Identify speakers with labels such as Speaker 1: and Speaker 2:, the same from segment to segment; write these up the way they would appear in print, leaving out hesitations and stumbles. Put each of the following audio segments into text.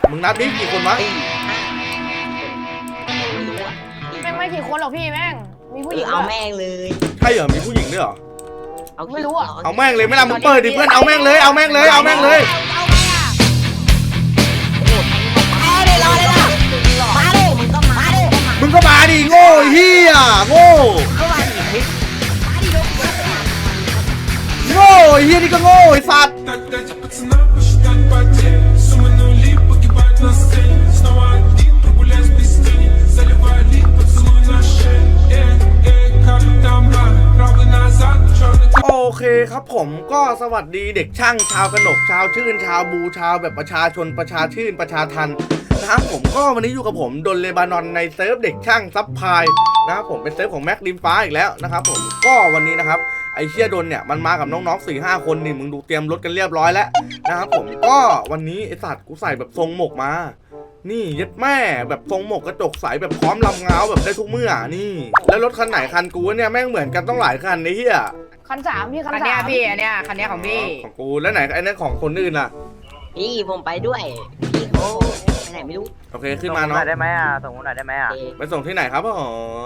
Speaker 1: มึงนับดิกี่คนวะ
Speaker 2: แม่งไม่กี่คนหรอกพี่แม่งมีผู้หญิง
Speaker 3: เอาแม่งเลย
Speaker 1: ใช่เหรอมีผู้หญิงด้วยเหรอ
Speaker 2: ไม่รู้อ่ะ
Speaker 1: เอาแม่งเลยไม่ล่ะมึงเปิดดิเพื่อนเอาแม่งเลยเอาแม่งเลยเอาแม่งเลย
Speaker 3: มาเลยรอเลยล่ะมาเลยมึงก็มาเลย
Speaker 1: มึงก็มาดิโง่เฮียโง่
Speaker 3: ก็มาดิ
Speaker 1: โง่เฮียนี่ก็โง่ไอ้สัตว์
Speaker 4: Дайте пацанам посчитать потери. Суммы нули погибать на сцене. Снова один прогуляюсь без тени. Заливай лик, поцелуй на шее. Как там правый назад, черный.
Speaker 1: โอเคครับผมก็สวัสดีเด็กช่างชาวกนกชาวชื่นชาวบูชาวแบบประชาชนประชาชื่นประชาทันนะครับผมก็วันนี้อยู่กับผมดนเลบานอนในเซิร์ฟเด็กช่างซับพายนะครับผมเป็นเซิร์ฟของแม็กริมฟ้าอีกแล้วนะครับผมก็วันนี้นะครับไอเชี่ยดนเนี่ยมันมากับน้องๆ 4-5 คนนี่มึงดูเตรียมรถกันเรียบร้อยแล้วนะครับผมก็วันนี้ไอสัตว์กูใส่แบบทรงหมกมานี่ยัดแม่แบบทรงหมกกระจกใสแบบพร้อมลำเงาแบบได้ทุกเมื่อนี่แล้วรถคันไหนคันกูเนี่ยแม่งเหมือนกันต้องหลายคันไอ้เหี้ย
Speaker 2: คันสามพี่คัน
Speaker 5: คันเนี้
Speaker 2: สาย ม
Speaker 5: พี่อันเนี้ยคันเนี้ยของพี่
Speaker 1: ของกูแล้วไหนไอ้นั่นของคนอื่นล่ะ
Speaker 3: พี่ผมไปด้วยพี่เขาไปไหนไม่รู้
Speaker 1: โอเคขึ้นมาเนาะ
Speaker 6: ส่งผมหน่อยได้ไหมอ่ะส่งผมหน่อยได้ไหมอ่ะ
Speaker 1: ไปส่งที่ไหนครับผม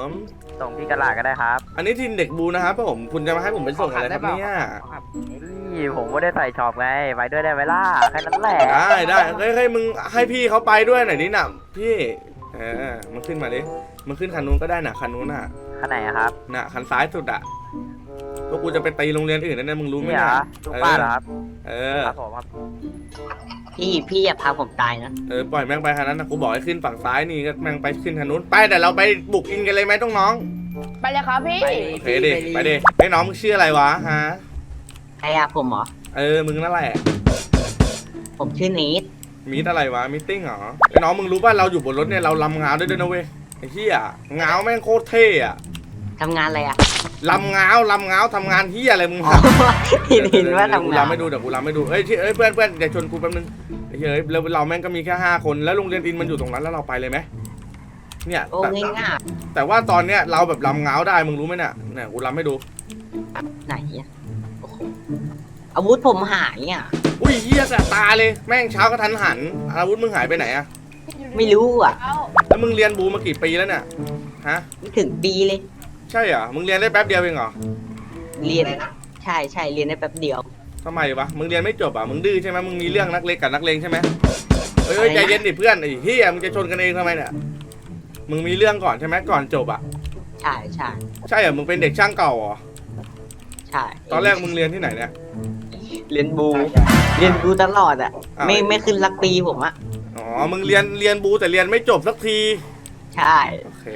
Speaker 6: ส่งที่กระลาก็ได้ครับ
Speaker 1: อันนี้ทีมเด็กบูนะครับผมคุณจะมาให้ผมไปส่งอะไรครับเนี่ย
Speaker 6: นี่ผมไม่ได้ใส่ช็อปไงไปด้วยได้ไหมล่ะแค่นั้นแหละ
Speaker 1: ได้เฮ้ยมึงให้พี่เขาไปด้วยหน่อยดิน่ะพี่มึงขึ้นมาดิมึงขึ้นคันนู้นก็ได้น่ะคันนู้นน่ะ
Speaker 6: ข้างไหนอะครับ
Speaker 1: น่ะคันซ้ายสุดอ่ะพวกกูจะไปตีโรงเรียนอื่นนั่นนะมึงรู้ไหม
Speaker 6: นี่เหร
Speaker 1: เนี่ย
Speaker 6: อลูกป้าเหรอครับ
Speaker 1: เออ
Speaker 6: ครับผมครับ
Speaker 3: พี่อย่าพาผมตายนะ
Speaker 1: ปล่อยแม่งไปคันนั้นนะกูบอกให้ขึ้นฝั่งซ้ายนี่ก็แม่งไปขึ้นคันนู้นไปแต่เราไปบุกอินกันเลยไหมต้องน้อง
Speaker 2: ไปเลยครับพี่
Speaker 1: โอเคดิไปดิไอ้น้องมึงชื่ออะไรวะฮะ
Speaker 3: ใครอะผมเหรอ
Speaker 1: มึงนั่นแหละ
Speaker 3: ผมชื่อเนท
Speaker 1: มีอะไรวะมีติ้งเหรอไอ้น้องมึงรู้ป่ะเราอยู่บนรถเนี่ยเราลำงาวด้วยนะเว้ยไอ้เหี้ยงาวแม่งโคตรเท่อะ
Speaker 3: ทำงานอะไรอะ
Speaker 1: ลำงาวทำงานเหี้ยอะไรมึง
Speaker 3: อ๋อพี่เห็นว่าทำงาน
Speaker 1: เดี๋ยวกูลำไม่ดูเอ้ยเพื่อนอย่าชนกูแป๊บนึงไอ้เหี้ยแล้วเราแม่งก็มีแค่5 คนแล้วโรงเรียนอินมันอยู่ตรงนั้นแล้วเราไปเลยไหมเนี่ย
Speaker 3: โอ้ง่าย
Speaker 1: แต่ว่าตอนเนี้ยเราแบบลำงาวได้มึงรู้ไหมเนี่ยกูลำไม่ดู
Speaker 3: ๆไหนอะโอ้โหอาวุธผมหายอ่ะ
Speaker 1: อุ้ยเหี้ยแสบตาเลยแม่งเช้าก็ทันหันอาวุธมึงหายไปไหนอะ
Speaker 3: ไม่รู้อ่ะ
Speaker 2: เอา
Speaker 1: แล้วมึงเรียนบูมากี่ปีแล้วเนี่ยฮะ
Speaker 3: ไม่ถึงปีเลย
Speaker 1: ใช่เหรอมึงเรียนได้แป๊บเดียวเองเหรอ
Speaker 3: เรียนใช่เรียนได้แป๊บเดียว
Speaker 1: ทำไมวะมึงเรียนไม่จบอ่ะมึงดื้อใช่ไหมมึงมีเรื่องนักเลงกับนักเลงใช่ไหมเฮ้ยใจเย็นดิเพื่อนไอ้เฮียมึงจะชนกันเองทำไมเนี่ยมึงมีเรื่องก่อนใช่ไหมก่อนจบอ่ะใช่เหรอมึงเป็นเด็กช่างเก่าเหรอ
Speaker 3: ใช่
Speaker 1: ตอนแรกมึงเรียนที่ไหนเนี่ย
Speaker 3: เรียนบูตลอดอ่ะ ไม่ขึ้นลักปีผมอ่ะ
Speaker 1: อ๋อมึงเรียนบูแต่เรียนไม่จบสักที
Speaker 3: ใช่
Speaker 1: โอเค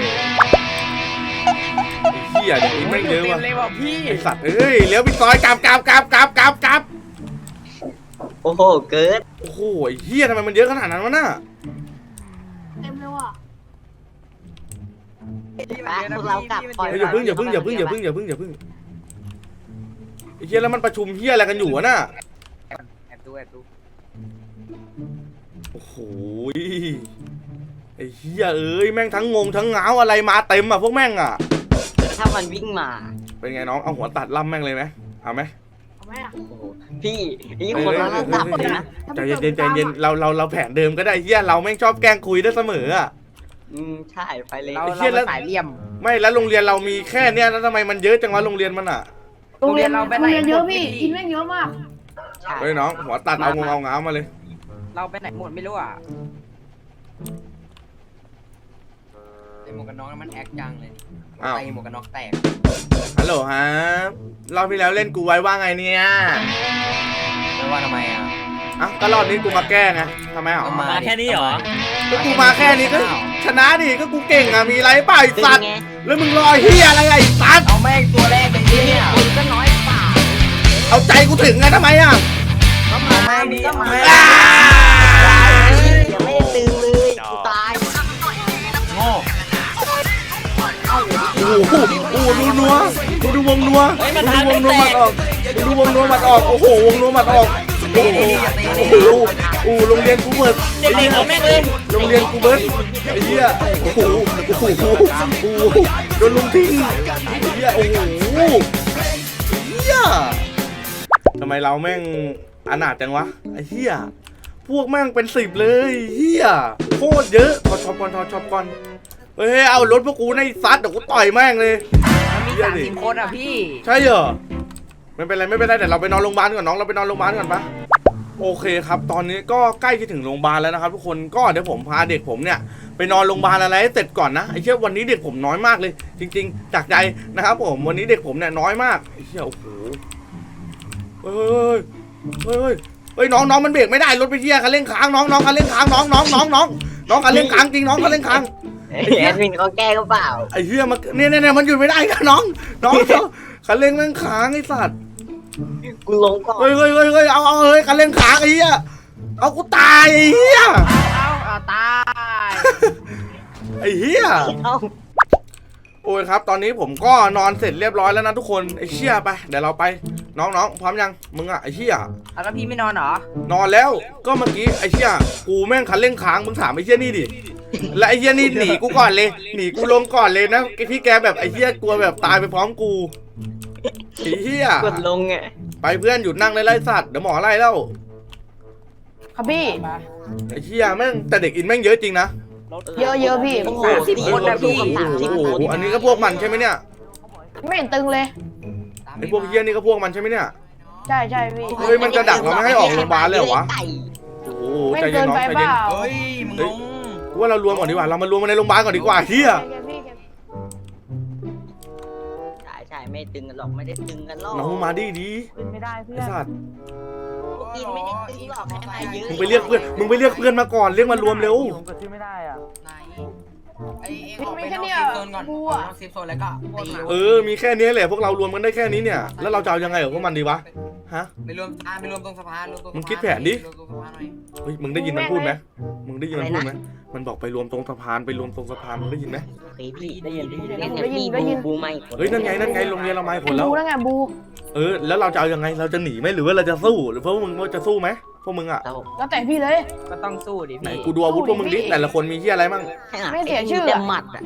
Speaker 1: ไอ้เฮียเด็กนี้ไม่งเยอะ
Speaker 5: เต็
Speaker 1: ว่ะ
Speaker 5: มเลยว่ะพี่
Speaker 1: ไอสัตว์เอ้ยเลี้ยวไปซอยกลับ
Speaker 3: โอ้โหเกิด
Speaker 1: โอ้โหไอ้เฮียทำไมมันเยอะขนาดนั้นวะน่ะ
Speaker 2: เต็มเลยว่ะ
Speaker 3: พวกเรากลับก่อน
Speaker 1: เฮ้ยอย่าเพิ่งไอ้เฮียแล้วมันประชุมเฮียอะไรกันอยู่วะน่ะ
Speaker 5: แอบดู
Speaker 1: โอ้โหไอ้เฮียเอ้ยแม่งทั้งงงทั้งเหงาอะไรมาเต็มอ่ะพวกแม่งอ่ะ
Speaker 3: ถ้ามันวิ่งมา
Speaker 1: เป็นไงน้องเอาหัวตัดล่ำแม่งเลยไหมเอาไหม
Speaker 2: เอาไหมอ่ะ
Speaker 3: โอ้โหพี่นี่คนละระดับเลยนะ
Speaker 1: ใจเย็นเราแผนเดิมก็ได้เฮียเราแม่งชอบแกล้งคุยได้เสมออ่ะ
Speaker 3: ใช่ไปเลย
Speaker 5: เรา
Speaker 1: ไอ้เหี้ยแล้ว
Speaker 5: สายเหลี่ยม
Speaker 1: ไม่แล้วโรงเรียนเรามีแค่เนี้ยแล้วทำไมมันเยอะจังวะโรงเรียนมันอ่ะ
Speaker 2: โรงเรียน
Speaker 5: เราไปไหน
Speaker 2: เยอะพี่
Speaker 5: หมด
Speaker 2: อินแม่งเยอะมาก
Speaker 3: ใช่
Speaker 1: เฮ้ยน้องหัวตัดเอางงเอาเหงามาเลย
Speaker 5: เราไปไหนหมดไม่รู้อ่ะไอหมวกกันน็อกนั้นมันแอคจังเลย
Speaker 1: อ้าว
Speaker 5: ไอหมวกกันน็อกแตก
Speaker 1: ฮัลโหลฮะรอบที่แล้วเล่นกูไว้ว่าไงเนี่ย
Speaker 5: ไม่ว่าทำไมอ่ะ
Speaker 1: อ่ะก็รอบนี้กูมาแก้ไงทำไมหรอ
Speaker 5: มาแค่นี้เหรอ
Speaker 1: ก็กูมาแค่นี้ก็ชนะดิก็กูเก่งอ่ะมีไรเปล่าไอ้
Speaker 3: เป็น
Speaker 1: สัตว์
Speaker 3: ไง
Speaker 1: แล้วมึงรอเฮียอะไรไอ้สัตว์
Speaker 5: เอาแม่งตัวแรกไปที่เนี่ย
Speaker 3: คนก็น้อยเปล่า
Speaker 1: เอาใจกูถึงไงทำไมอ่ะ
Speaker 3: ก็มาก็มา
Speaker 1: อ้า
Speaker 3: ยังไม่ได้ตึงเลยกูตาย
Speaker 5: โง่
Speaker 1: โอ้โหดูนัวดูวงนัวดูวงนัวหมัดออกดูวงนัวหมัดออกโอ้โหวงนัวหมัดออกโอ้โหโอ้โหโรงเรียนกูเบิร์ด
Speaker 5: เด็กๆเอาแม่งเลย
Speaker 1: โรงเรียนกูเบิร์ดไอ้เหี้ยโอ้โหโดนลุงทิ้งไอ้เหี้ยโอ้โหเหี้ยทำไมเราแม่งอนาถจังวะไอ้เหี้ยพวกแม่งเป็น10เลยเฮียโคตรเยอะถอดช็อปก่อนเฮ้ยเอารถพวกกูในซัดเดี๋ยวกูต่อยแม่งเลย
Speaker 5: มันมี30 คนอ่ะพี่
Speaker 1: ใช่เหรอไม่เป็นไรแต่เราไปนอนโรงพยาบาลก่อนน้องเราไปนอนโรงพยาบาลก่อนปะโอเคครับตอนนี้ก็ใกล้จะถึงโรงพยาบาลแล้วนะครับทุกคนก็เดี๋ยวผมพาเด็กผมเนี่ยไปนอนโรงพยาบาลอะไรให้เสร็จก่อนนะไอ้เชี่ยวันนี้เด็กผมน้อยมากเลย จริงๆจากใจนะครับผมวันนี้เด็กผมเนี่ยน้อยมากไอ้เชี่ยโอ้โหเฮ้ยน้องมันเบรกไม่ได้รถไปเชี่ยคันเร่งค้างน้องคันเร่งค้างน้องคันเร่งค้างจริงน้องคันเร่งค้าง
Speaker 3: แอดมินเขาแก้ก็เปล่า
Speaker 1: ไอ้เหี้ยมันเนี่ยมันหยุดไม่ได้นะน้องคันเร่งแม่งค้างไอ้สัตว์
Speaker 3: กูลงก่อน
Speaker 1: เฮ้ยเอาเฮ้ยคันเร่งค้างไอ้เหี้ยเอากูตายไอ้เหี้ย
Speaker 5: เอาตาย
Speaker 1: ไอ้เหี้ย
Speaker 3: เอ้า
Speaker 1: โอ้ยครับตอนนี้ผมก็นอนเสร็จเรียบร้อยแล้วนะทุกคนไอ้เชี่ยไปเดี๋ยวเราไปน้องพร้อมยังมึงอะไอ้เชี่ย
Speaker 5: เอาแล้วพี่ไม่นอนเหรอ
Speaker 1: นอนแล้วก็เมื่อกี้ไอ้เชี่ยกูแม่งคันเร่งค้างมึงถามไอ้เชี่ยนี่ดิและไอ้เชี่ยนี่หนีกูก่อนเลยหนีกูลงก่อนเลยนะพี่แกแบบไอ้เชี่ยกลัวแบบตายไปพร้อมกูไอ้เชี่ย
Speaker 3: กดลงไง
Speaker 1: ไปเพื่อนหยุดนั่งไล่สัตว์เดี๋ยวหมอไล่แล้ว
Speaker 2: ครับพี่
Speaker 1: ไอ้เชี่ยแม่งแต่เด็กอินแม่งเยอะจริงนะ
Speaker 2: เยอะพี่
Speaker 3: โอ้โห
Speaker 5: 30 คนนะพี่
Speaker 1: โอ้โหอันนี้ก็พวกมันใช่ไหมเนี่ย
Speaker 2: ไม่เห็นตึงเลย
Speaker 1: ไอ้พวกเฮี้ยนี่ก็พวกมันใช่ไหมเนี่ย
Speaker 2: ใช่พี่
Speaker 1: เฮ้ยมันจะดักเราไม่ให้ออกโรงพยาบาลเลยเหรอวะ โอ้โห
Speaker 2: ไม่
Speaker 1: ใจเย็
Speaker 2: เกิ
Speaker 1: น
Speaker 2: น
Speaker 1: น้อง
Speaker 2: ไป
Speaker 1: ใจ
Speaker 2: เป
Speaker 1: เย็น
Speaker 2: ล่า
Speaker 5: เฮ้ยมึงงง
Speaker 1: กูว่าเรารวมก่อนดีกว่าเรามารวมกันในโรงพยาบาลก่อนดีกว่าเฮี้ย
Speaker 3: ใช่ไม่ตึงกันหรอกไม่ได้ตึงกันหรอก
Speaker 1: น้องมาดี
Speaker 2: เป็นไม่ได้เพื่อ
Speaker 1: ไอ้
Speaker 2: น
Speaker 1: สัตว์
Speaker 3: กินไม่ได้ตึงหรอกให้มาเยอะ
Speaker 1: มึงไปเรียกเพื่อนมาก่อนเรียกมารวมเร็ว
Speaker 5: ผมก็ชื่อไม่ได้อ่ะไหนไอ้เอ็งออกไป
Speaker 2: มี
Speaker 5: น
Speaker 2: แค่
Speaker 5: อก
Speaker 2: เนี้ย
Speaker 5: เซฟโซนก่อน
Speaker 2: บั
Speaker 5: อ
Speaker 2: ว
Speaker 5: อกนอกเซฟโซนแล้วก็ตี
Speaker 1: มีแค่นี้แหละพวกเรารวมกันได้แค่นี้เนี่ยแล้วเราจะเอายังไงกับพวกมันดีวะฮะ
Speaker 5: ไปรวมตรงสะพานรวมตรงสะพาน
Speaker 1: มึงคิดแผนดิ
Speaker 5: รวมตรงสะพานหน่อย
Speaker 1: เฮ้ยมึงได้ยินมันพูดไหมมึงได้ยินมันพูดไหมมันบอกไปรวมตรงสะพานมึงได้ยินไหม
Speaker 3: เฮ้ยพี่ได้ยินพี่บูไม่
Speaker 1: เฮ้ยนั่นไงโรงเรียนเราไม่ผลแล้ว
Speaker 2: บูแล้วไงบู
Speaker 1: แล้วเราจะเอายังไงเราจะหนีไหมหรือว่าเราจะสู้หรือพวกมึงจะสู้ไหมพวกมึงอ่ะ
Speaker 3: เรา
Speaker 2: แล้วแต่พี่เลย
Speaker 5: ก็ต้องสู้ดิ
Speaker 1: ไหน
Speaker 5: พี่
Speaker 1: กูดูอาวุธพวกมึงดิแต่ละคนมีที่อะไรมั่ง
Speaker 2: ไม่เสียชื่อ
Speaker 3: แต่หมัดอ่ะ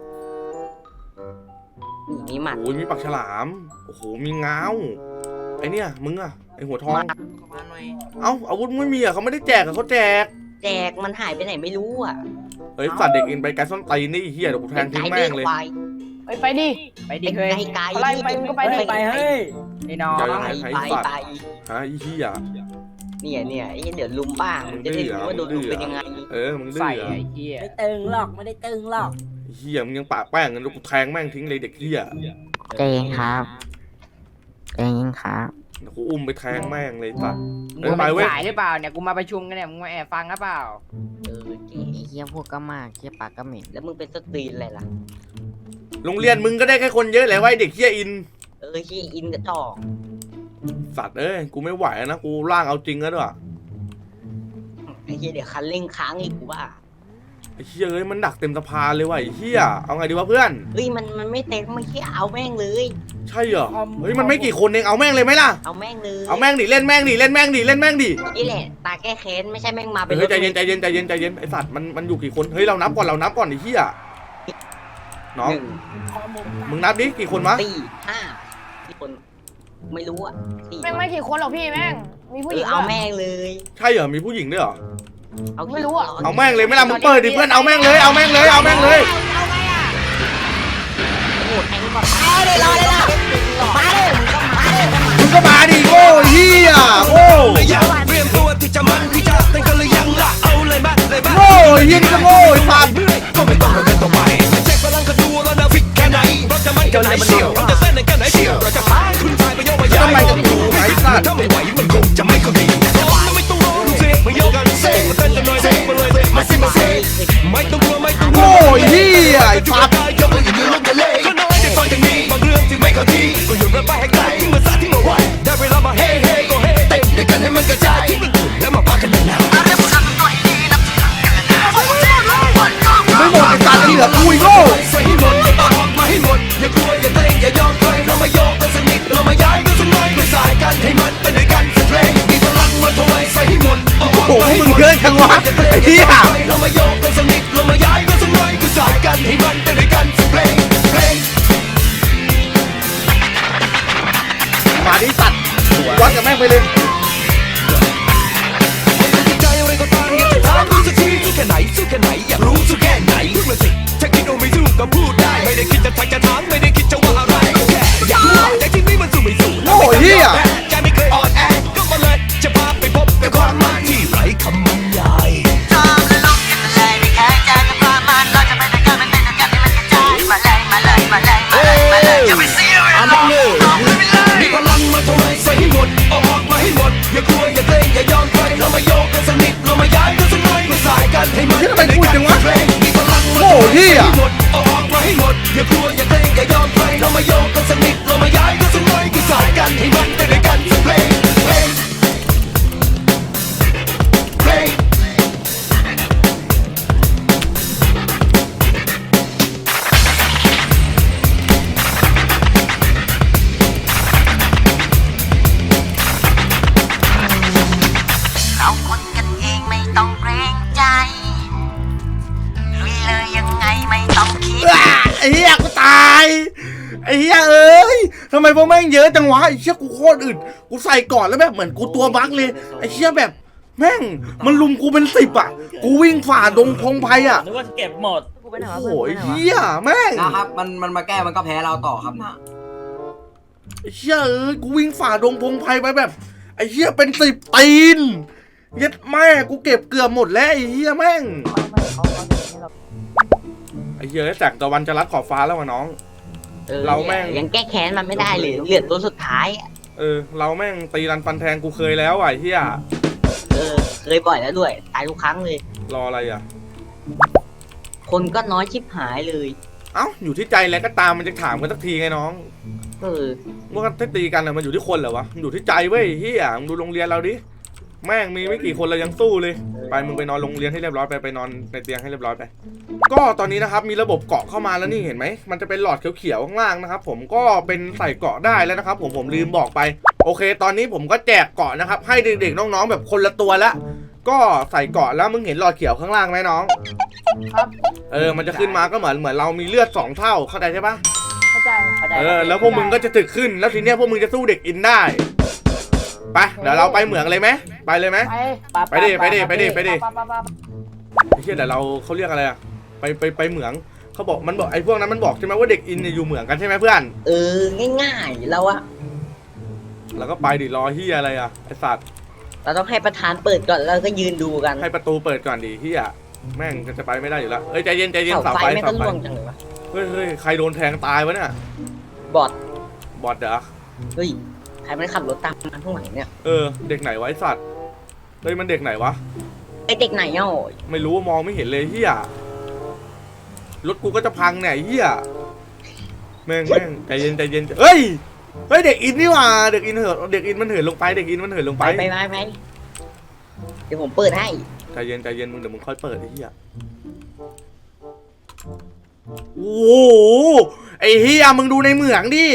Speaker 3: มีหมัด
Speaker 1: โอ้ยมีปากฉลามโอ้โหมีง้าวไอเนี่ยมึงอ่ะไอหัวทอง
Speaker 5: สะพานหน่อย
Speaker 1: เอ้าอาวุธไม่มีอ่ะเขาไม่ได้แจกอ่ะเขาแจก
Speaker 3: แจกมันหายไปไหนไม่รู้อ่ะ
Speaker 1: เฮ้ยสัตว์เด็กอินไปไกลส้นตีนนี่ไอ้เหี้ยเดี๋ยวกูแทงทิ้งแม่งเลย
Speaker 2: ไปดิ
Speaker 5: ไปดิเฮ้ย
Speaker 3: ไกล
Speaker 2: ไล่ไปมึงก็ไปดิ
Speaker 5: ไปเฮ้ยไอ้น้อง
Speaker 3: ไป
Speaker 1: ฮะไอ้เหี้ย
Speaker 3: เนี่ยไอ้เดี๋ยวลุมบ้างจะได้รู้ว่าโดนลุมเป็นยังไง
Speaker 1: มึงดื้อ
Speaker 5: ใส่
Speaker 1: เหรอ
Speaker 5: ไอ้เหี้ย
Speaker 7: ไม่ตึงหรอกไม่ได้ตึงหรอก
Speaker 1: ไอ้เหี้ยมึงยังปากแป้งกันแล้วกูแทงแม่งทิ้งเลยเด็กเหี้ย
Speaker 8: ใจเย็นครับใจเย็นครับ
Speaker 1: เดี๋ยวกูอุ้มไปแทงแม่งเลยสัตว์
Speaker 5: มึงเป็นสายหรือเปล่าเนี่ยกูมาประชุมกันเนี่ยมึงมาแอบฟังหรือเปล่า
Speaker 3: เก๋
Speaker 8: ไอ้เหี้ยพวกก็มากเหี้ยปากก็เหม็น
Speaker 3: แล้วมึงเป็นสตรีนอะไรล่ะ
Speaker 1: โรงเรียนมึงก็ได้แค่คนเยอะแหละไว้เด็กเหี้ยอิน
Speaker 3: ที่อินกระจอก
Speaker 1: สัตว์กูไม่ไหวนะกูร่างเอาจริงแล้วด้วย
Speaker 3: ไอ้เหี้ยเดี๋ยวคันเร่งค้างอีกกูว่า
Speaker 1: ไอ้เหี้ยมันดักเต็มสะพานเลยว่ะไอ้เหี้ยเอาไงดีวะเพื่อน
Speaker 3: เฮ้ยมันไม่เต็มไม่เหี้ยเอาแม่งเลย
Speaker 1: ใช่เหรอเฮ้ยมันไม่กี่คนเองเอาแม่งเลยไหมล่ะ
Speaker 3: เอาแม่งเลย
Speaker 1: เอาแม่งดิเล่นแม่งดิเล่นแม่งดิเล่นแม่งดิ
Speaker 3: นี่แหละตาแก้แค้นไม่ใช่แม่งมาเป็น
Speaker 1: เฮ้ยใจเย็นไอ้สัตว์มันอยู่กี่คนเฮ้ยเรานับก่อนไอ้เหี้ยน้อง
Speaker 3: หนึ่ง
Speaker 1: มึงนับดิกี่คนวะ
Speaker 3: สี่ห้าที่คนไม่รู้อ่ะสี่
Speaker 2: แม่งไม่กี่คนหรอกพี่แม่งมีผู้หญิง
Speaker 3: เอาแม่งเลย
Speaker 1: ใช่เหรอมีผู้หญิงด้วยเหรอ
Speaker 2: ไม่รู้อ่ะ
Speaker 1: เอาแม่งเลยไหม่ล่ะมึงเปิดดิเพื่อนเอาแม่งเลย
Speaker 3: โอ้โหแทงก่อนมาเลยรอเลยล่ะมาเลยมึงก็มาเลย
Speaker 1: มึงก็มาดิโง่เหี้ยโง่
Speaker 9: เตรียมตัวที่จะมันที่จะเต้นกันหรือยังล่ะเอาเลยมาเลยมา
Speaker 1: โง่เหี้ยนี่ก็โง่ไอ้สัตว์
Speaker 9: ก็ไม่ต้องระเบิดต่อไปเช็คพลังกันดูแล้วนะฟิกแค่ไหนเราจะมันกันไหนเชียวเราจะเต้นกันไหนเชียวเราจะพาคุณชายไปโยกไปย้าย
Speaker 1: ทำไมกับกูไอ้สัตว์
Speaker 9: ถ้าไม่ไหวมันคงจะไม่เข้าดีไม่ต้องรอดูสิมาโยกกันเซ่มาเต้นกันหน่อยเซ่มาเลยมาสิมาเซ่ไม่ต้องกลัวไม่ต้อง
Speaker 1: โง่เหี้ยไอ้
Speaker 9: จุด
Speaker 1: สัตว์
Speaker 9: ได้ยกมือยืนลงกันเลยก็น้อยได้ฟังอย่างนี้บางเรื่องที่ไม่เข้าทีก็หยุดแล้วไปให้ไกลทิ้งภาษาที่มาไว้ได้เวลามาเฮ้เฮ้ก็เฮ้เต้นด้วยกันให้มันกระจายทิ้งมันกลุ่มแล้วมาพักกันนานๆ
Speaker 1: ไม่หมดไอ้สัตว์เหลือกูอีกโง่
Speaker 9: ใส่ให้หมดอย่าออกมาให้หมดอย่ากลัวอย่าเต้นอย่ายอมใครเรามาโยกกันสนิทเรามาย้ายกันสักหน่อยไม่สายกันให้มันเป็นด้วยกันสักเพลงมีพลังมาถวายใส่ให้หมด
Speaker 1: โอ้โหมึงเกินจังวะไอ้เหี้ย
Speaker 9: เรามาโยกกันสนิทเรามาย้ายกันสักหน่อยไม่สายกันให้มันเป็นด้วยกันสักเพลงเพลง
Speaker 1: มาดิสัตว์วัดกับแม่งไปเลย
Speaker 9: ใจอะไรก็กันให้มัน
Speaker 1: เหี้ยทำไมพูดจังวะ
Speaker 9: มีพลัง
Speaker 1: โอ้เหี้ย
Speaker 9: หมดเอาออกมาให้หมดอย่ากลัวอย่าเกรงอย่ายอมใครเรามาโยกกันสักนิดเรามาย้ายกันสักหน่อยกี่สายกันให้มันได้ด้วยกันสักเพลงเพลงเพลง
Speaker 7: เราคนกันเองไม่ต้องเกรงใจ ลุยเลยยังไงไม่ต้องคิด
Speaker 1: ไอ้เหี้ยกูตายไอ้เหี้ยเอ้ยทำไมพวกแม่งเยอะจังวะไอ้เหี้ยกูโคตรอึดกูใส่ก่อนแล้วแบบเหมือนกูตัวบั๊กเลยไอ้เหี้ยแบบแม่งมันลุมกูเป็น10อ่ะกูวิ่งฝ่าดงพงไพอ่ะ
Speaker 10: นึกว่าเก็บหมด
Speaker 1: โอ้โหไอ้เหี้ยแม่ง
Speaker 3: นะครับมันมาแก้มันก็แพ้เราต่อครับนะ
Speaker 1: ไอ้เหี้ยเอ้ยกูวิ่งฝ่าดงพงไพไปแบบไอ้เหี้ยเป็น10ตีนเย็ดแม่กูเก็บเกือบหมดแล้วไอ้เหี้ยแม่งไอ้เหี้ยแสงตะวันจะรัดขอบฟ้าแล้ววะน้อง เราแม่ง
Speaker 3: ยังแก้แค้นมันไม่ได้เลยเหลือตัวสุดท้ายอะ
Speaker 1: เราแม่งตีรันฟันแทงกูเคยแล้วอ่ะไอ้เหี้ย
Speaker 3: เคยบ่อยแล้วด้วยตายทุกครั้งเลย
Speaker 1: รออะไรอ่ะ
Speaker 3: คนก็น้อยชิบหายเลย
Speaker 1: เอ้าอยู่ที่ใจแล้วก็ตามมันจะถามกันสักทีไงน้อง ว่าถ้าตีกันอะมันอยู่ที่คนเหรอวะมันอยู่ที่ใจเว้ยเฮียมึงดูโรงเรียนเราดิแม่งมีไม่กี่คนเรายังสู้เลยไปมึงไปนอนโรงเรียนให้เรียบร้อยไปนอนในเตียงให้เรียบร้อยไปก็ตอนนี้นะครับมีระบบเกาะเข้ามาแล้วนี่เห็นไหมมันจะเป็นหลอดเขียวๆข้างล่างนะครับผมก็เป็นใส่เกาะได้แล้วนะครับผมลืมบอกไปโอเค ตอนนี้ผมก็แจกเกาะนะครับให้เด็กๆน้องๆแบบคนละตัวละก็ใส่เกาะแล้วมึงเห็นหลอดเขียวข้างล่างไหมน้อง
Speaker 2: ครับ
Speaker 1: มันจะขึ้นมาก็เหมือนเรามีเลือด2เท่าเข้าใจใช่ปะ
Speaker 2: เข้าใจ
Speaker 1: แล้วพวกมึงก็จะถึกขึ้นแล้วทีเนี้ยพวกมึงจะสู้เด็กอินได้ไปเดี๋ยวเราไปเหมืองเลยไหมไปเลยไหม ไปดิ
Speaker 2: ไป
Speaker 1: ไอ้เหี้ยแต่เราเขาเรียกอะไรอะไปเหมืองเขาบอกมันบอกไอ้พวกนั้นมันบอกใช่ไหมว่าเด็กอินเนี่ยอยู่เหมืองกันใช่ไหมเพื่อน
Speaker 3: ง่ายๆเราอะ
Speaker 1: เราก็ไปดิรอเฮียอะไรอะไอ้สัตว์
Speaker 3: เราต้องให้ประธานเปิดก่อนแล้วก็ยืนดูกัน
Speaker 1: ให้ประตูเปิดก่อนดิเฮียแม่งจะไปไม่ได้อยู่แล้วใจเย็นใจเย็น
Speaker 3: เสา
Speaker 1: เสา
Speaker 3: ไฟ
Speaker 1: ไฟ
Speaker 3: ไม่
Speaker 1: เสา
Speaker 3: ต้อง
Speaker 1: ไฟ
Speaker 3: ล่วงจังเลยวะ
Speaker 1: เฮ้ยใครโดนแทงตายวะเนี่ย
Speaker 3: บอด
Speaker 1: บอดเหรอ
Speaker 3: เฮ้ยใครมันขับรถตามมาข้างหลังเนี่ย
Speaker 1: เด็กไหนวะไอ้สัตว์เฮ้ยมันเด็กไหนวะ
Speaker 3: ไอเด็กไหนเอ้า
Speaker 1: ไม่รู้มองไม่เห็นเลยเฮียรถกูก็จะพังเนี่ยเฮียแม่งใจเย็นเฮ้ยเด็กอินนี่หว่าเด็กอินเหินเด็กอินมันเหินลงไปเด็กอินมันเหินลงไป
Speaker 3: ไปเดี๋ยวผมเปิดให้
Speaker 1: ใจเย็นมึงเดี๋ยวมึงค่อยเปิดไอ้เฮียโอ้โหไอ้เฮียมึงดูในเหมืองดิ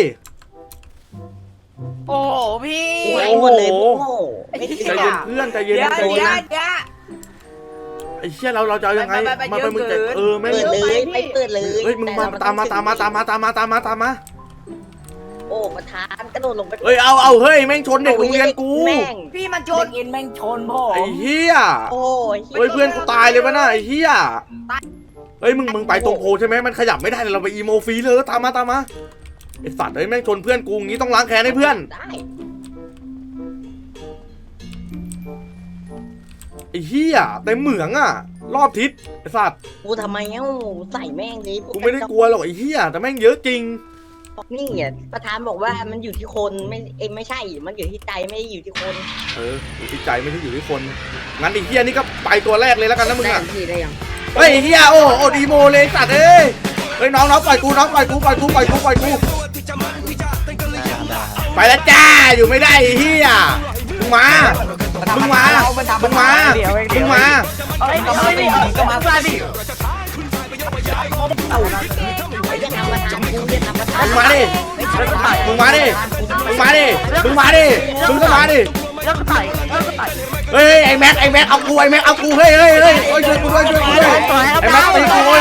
Speaker 5: โอ้โหพี่
Speaker 3: ไอ้หมดเลยโอ้โหไม่
Speaker 1: ใจเย็นเพื่อนใจเย็นใจเย็นไอ้เฮียเราจะเอายังไงมาไปมึงจะไม่
Speaker 3: เปิดเลยไปเปิดเลย
Speaker 1: เฮ้ยมึงมาตามมา
Speaker 3: โอ้ประธานกระโดดลงไป
Speaker 1: เฮ้ยเอาเฮ้ยแม่งชนเด็กโรงเรียนกู
Speaker 3: แม่ง
Speaker 5: พี่มันช
Speaker 7: เด็
Speaker 5: น
Speaker 7: กอินแม่งชนผ
Speaker 1: ไอ้
Speaker 7: ม
Speaker 1: เฮีย
Speaker 3: โอ้
Speaker 1: เฮ้ยเพื่อนกูตายเลยปะน่ะไอ้เฮียเฮ้ยมึงไปตรงโพใช่ไหมมันขยับไม่ได้เราไปอีโมฟรีเลยตามมาไอ้สัตว์เฮ้ยแม่งชนเพื่อนกูงี้ต้องล้างแค้นให้เพื่อน
Speaker 3: ได้
Speaker 1: ไอ้เฮียเต็มเหมืองอ่ะรอบทิศไอ้สัตว์
Speaker 3: กูทำไมเอ้าใส่แม่งเลย
Speaker 1: กูไม่ได้กลัวหรอกไอ้เฮียแต่แม่งเยอะจริง
Speaker 3: นี่อ่ะประธานบอกว่ามันอยู่ที่คนไม่ใช่มันอยู่ที่ใจไม่ได้อยู่ที่คน
Speaker 1: อยู่ที่ใจไม่ใช่อยู่ที่คนงั้นไอ้เฮียนี่ก็ไปตัวแรกเลยแล้วกันนะมึง
Speaker 3: ได้
Speaker 1: อ่ะ
Speaker 3: พี่ได้ยัง
Speaker 1: เฮ้ยไอ้เฮียโอ้ดีโมเลยสัตว์เฮ้ยน้องปล่อยกูไปแล้วจ้าอยู่ไม่ได้ไอ้เฮียมึงมา
Speaker 5: เอ้ยก็มาดิก็มาดิ
Speaker 3: ไอ้จะทำประธานกูจะทำประธาน
Speaker 1: มึงมาดิมึงก็มาดิเฮ้ยไอ้แม็กเอากูเฮ้ยช่วยกูด้วยไอ้แม็กตีกูโอ้ย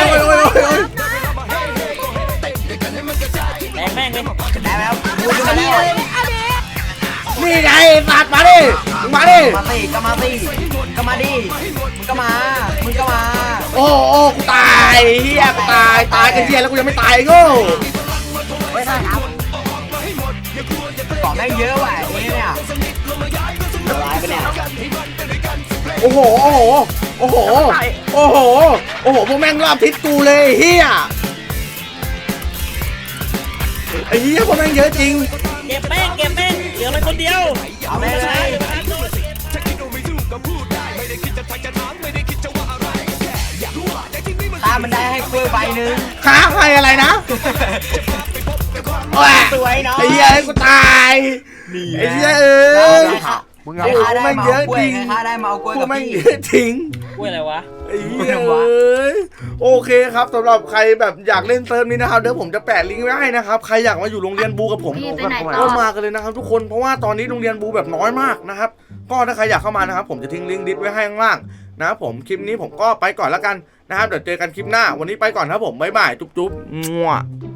Speaker 10: แม่งเลย
Speaker 3: ได้แล้ว
Speaker 1: นี่ไงสัตว์มาดิมึงมาดิ
Speaker 5: ก็มา
Speaker 1: โอ้กูตายเฮียกูตายกันเฮียแล้วกูยังไม่ตายโง่
Speaker 5: ไม่ได้ครับก่อนแม่งเยอะว่ะเนี่ยอะไรไปเนี่ย
Speaker 1: โอ้โหพวกแม่งรอบทิศกูเลยเฮียไอ้เฮียพวกแม่งเยอะจริง
Speaker 10: เก็บแม่งเหลือมันคนเดียว
Speaker 5: เอาไปเลย
Speaker 9: ถ้าคิดว่าไม่ถูกก็พูดได้ไม่ได้คิดจะทักจะถามไม่ได้คิดจะว่าอะไร
Speaker 3: กล้วยใบหนึ่ง
Speaker 1: ค้าใครอะไรนะแหวะ
Speaker 3: สวยเนาะ
Speaker 1: ไอ้เหี้ยให้กูตายไอ้เหี้ยเอ้ย
Speaker 6: มึง
Speaker 1: โอ้
Speaker 6: เอา
Speaker 1: โหแม่งเยอะจริง
Speaker 3: ข้าได้มาเอากล้วย
Speaker 1: กู
Speaker 3: กับ
Speaker 1: แม่ง
Speaker 3: พี่
Speaker 1: เยอะจริง
Speaker 10: กล้วยอะไรวะ
Speaker 1: ไอ้เหี้ยเอ้ยโอเคครับสำหรับใครแบบอยากเล่นเซิร์ฟนี้นะครับเดี๋ยวผมจะแปะลิงก์ไว้ให้นะครับใครอยากมาอยู่โรงเรียนบูกับผม
Speaker 2: พี่ไปไหนต่
Speaker 1: ก็
Speaker 2: อ
Speaker 1: มากันเลยนะครับทุกคนเพราะว่าตอนนี้โรงเรียนบูแบบน้อยมากนะครับก็ถ้าใครอยากเข้ามานะครับผมจะทิ้งลิงก์ดิสไว้ให้ข้างล่างนะครับผมคลิปนี้ผมก็ไปก่อนแล้วกันนะครับเดี๋ยวเจอกันคลิปหน้าวันนี้ไปก่อนครับผมบ๊ายบายจุ๊บๆมั่ว